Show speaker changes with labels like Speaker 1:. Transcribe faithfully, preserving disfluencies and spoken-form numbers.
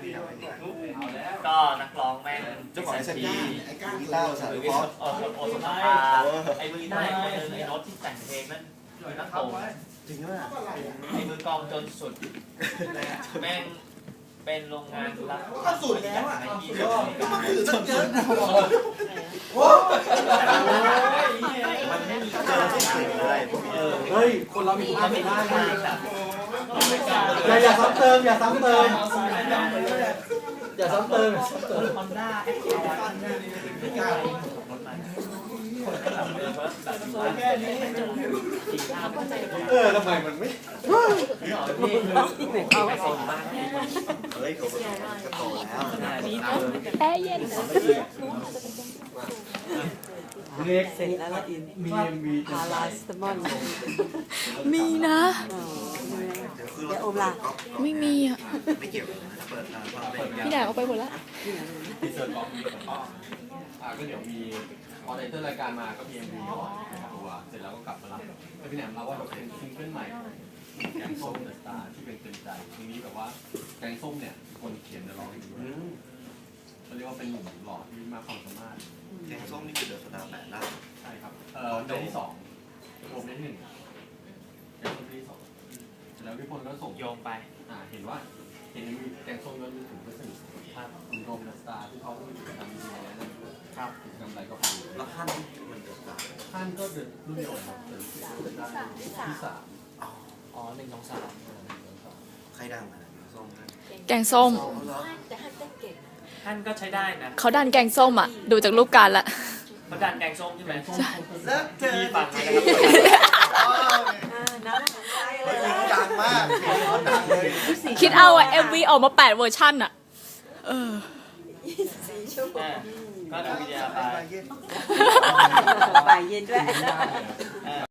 Speaker 1: ก็นักร้องแม่ง
Speaker 2: เจ้าของไอ้สัญญาไอ้ก้านกีตาร์สายพอ
Speaker 1: โอโอสมาไอ้มือได้คนนึงไอ้รถที่แต่งเพลงนั่นคือนักโต
Speaker 2: จริงด้วยอ่ะ
Speaker 1: ไอ้มือกองจนสุดแม่งเป็นโรงงานรับ
Speaker 2: ก็สุดแล้วอ่ะ
Speaker 1: ก็มันถือตั้งเยอะโอ้มันไม่มีเจอที่สุดเลย
Speaker 3: เฮ้ยคนเรามีความเป็นได้นะ
Speaker 1: อย่า
Speaker 3: อย่าซ้ำเติมอย่าซ้ำเติมอย่าซ้ำเติม
Speaker 1: ฮอนด้าแอคทีฟ
Speaker 3: เออทำไมมันไม่
Speaker 1: เอาไปส่งบ้าน
Speaker 2: เฮ้ยเขาก็โตแล้ว
Speaker 4: แอร์เย็น
Speaker 3: เล็กเสร็จแล้วอินมีเอ็มวีพาราสตมอน
Speaker 4: มีนะ
Speaker 2: เดี๋ยวโอมล่ะ
Speaker 4: ไม่มีอ่ะ
Speaker 2: ไม่เกี่ยวเปิดความเป็น
Speaker 4: พี่แดกเอาไปหมดแล้ว
Speaker 5: ทีเซอร์กล่องมีก็อ่าก็เดี๋ยวมีพอไตเติ้ลรายการมาก็มีเอ็มวีก่อนตัวเสร็จแล้วก็กลับมารับแล้วพี่แหนมเราว่าเป็นซิงเกิลใหม่แกงส้มเดอะสตาร์ที่เป็นเต็มใจทีนี้แบบว่าแกงส้มเนี่ยคนเขียนจะร้องอยู่ด้วยเขาเรียกว่าเป็นหนุ่มหล่อที่มากความสามารถ
Speaker 2: แกงส้มนี่คือเดือดสตาร์แปดล่า
Speaker 5: ใช่ครับเอ่อในที่สองรวมในที่หนึ่งแกงส้มที่สองแล้วพี่พลก็ส่ง
Speaker 1: โยงไป
Speaker 5: อ่าเห็นว่าเห็นมีแกงส้มแล้วมีถึงก็สนิทภาพคุณโรมเดอะสตาร์ที่เขามีกิจกรรมดีๆนั่นครับกิจกรรมอะไรก็ฟัง
Speaker 2: แล้วขั้นมันเดือดสตาร์
Speaker 5: ท่านก็เดินรุ่นเดียวครับเดินที่สาม
Speaker 1: อ๋อหนึ่งสองสาม
Speaker 2: ใครดังอะไรส้ม
Speaker 4: แกงส้ม
Speaker 6: แต่ฮันเต้นเก่งนะ
Speaker 1: ท่านก็ใช้ได้นะ
Speaker 4: เขาดันแกงส้มอ่ะ ดูจากรูปการละ
Speaker 1: เขาดันแกงส้มใช่ไหม
Speaker 2: แล้วเธอ
Speaker 1: มีฟังไหมนะครับ
Speaker 6: น้ำของใครเล
Speaker 2: เฮ้ย
Speaker 6: ย
Speaker 2: ดังมากดังเลย
Speaker 4: คิดเอาอ่ะ เอ็ม วี ออกมาแปดเวอร์ชันอ่ะ เออ
Speaker 6: สี่ชั่วโมง
Speaker 1: ก็ดูวิดีโอไป
Speaker 2: ไปเย็น
Speaker 6: บ่ายเย็นด้วย